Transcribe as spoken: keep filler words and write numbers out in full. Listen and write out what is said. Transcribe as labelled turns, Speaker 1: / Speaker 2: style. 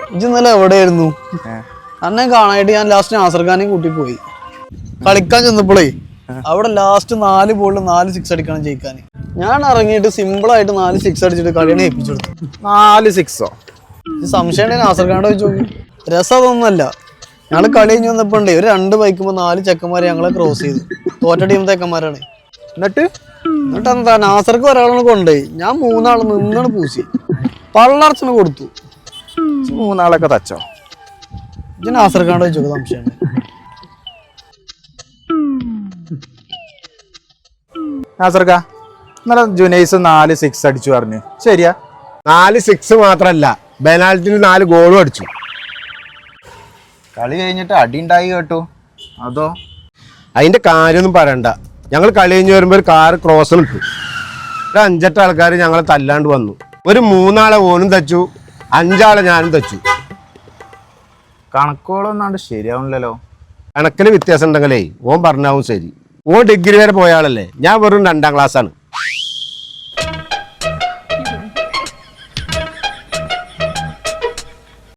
Speaker 1: ഇന്നലെ എവിടെയായിരുന്നു? അന്നെ കാണാനായിട്ട് ഞാൻ ലാസ്റ്റ് നാസർഖാനെയും കൂട്ടി പോയി. കളിക്കാൻ ചെന്നപ്പോഴേ അവിടെ ലാസ്റ്റ് നാല് ബോളിൽ നാല് സിക്സ് അടിക്കണം ജയിക്കാൻ. ഞാൻ ഇറങ്ങിയിട്ട് സിമ്പിൾ ആയിട്ട് നാല് സിക്സ് അടിച്ചിട്ട് കളിയാണ് ഏൽപ്പിച്ചു കൊടുത്തു.
Speaker 2: നാല് സിക്സോ?
Speaker 1: സംശയം നാസർഖാന്റെ വെച്ച് നോക്കി. രസം അതൊന്നുമല്ല. ഞങ്ങള് കളി കഴിഞ്ഞ് വന്നപ്പോ ഉണ്ടേ ഒരു രണ്ട് ബൈക്കുമ്പോ നാല് ചെക്കന്മാരെ ഞങ്ങളെ ക്രോസ് ചെയ്തു. തോറ്റ ടീം ചെക്കന്മാരാണ്.
Speaker 2: എന്നിട്ട്
Speaker 1: എന്നിട്ട് എന്താ നാസർക്ക് ഒരാളെ കൊണ്ടേ ഞാൻ മൂന്നാള് നിന്നാണ് പൂശി പള്ളർച്ചന് കൊടുത്തു.
Speaker 2: മൂന്നാളൊക്കെ തച്ചോ?
Speaker 1: ഇത് നാസർഖാന്റെ വെച്ചോ സംശയം.
Speaker 2: നാസർക്ക ഇന്നലെ ജുനൈസ് നാല് സിക്സ് അടിച്ചു പറഞ്ഞു, ശരിയാ?
Speaker 3: നാല് സിക്സ് മാത്രല്ല പെനാൽറ്റിന് നാല് ഗോളും അടിച്ചു.
Speaker 2: കളി കഴിഞ്ഞിട്ട് അടി ഉണ്ടായി കേട്ടോ. അതോ?
Speaker 3: അതിന്റെ കാര്യമൊന്നും പറയണ്ട. ഞങ്ങൾ കളി കഴിഞ്ഞ് വരുമ്പോൾ ഒരു കാറ് ക്രോസിൽ ഇട്ടു. ഒരു അഞ്ചെട്ട് ആൾക്കാർ ഞങ്ങളെ തല്ലാണ്ട് വന്നു. ഒരു മൂന്നാളെ ഓനും തച്ചു, അഞ്ചാളെ ഞാനും തച്ചു.
Speaker 2: കണക്കുകളൊന്നാണ്ട് ശരിയാവുന്നില്ലല്ലോ.
Speaker 3: കണക്കിന് വ്യത്യാസം ഉണ്ടെങ്കിലേ ഓൻ പറഞ്ഞാവും ശരി. ഓൻ ഡിഗ്രി വരെ പോയ ആളല്ലേ, ഞാൻ വെറും രണ്ടാം ക്ലാസ്സാണ്.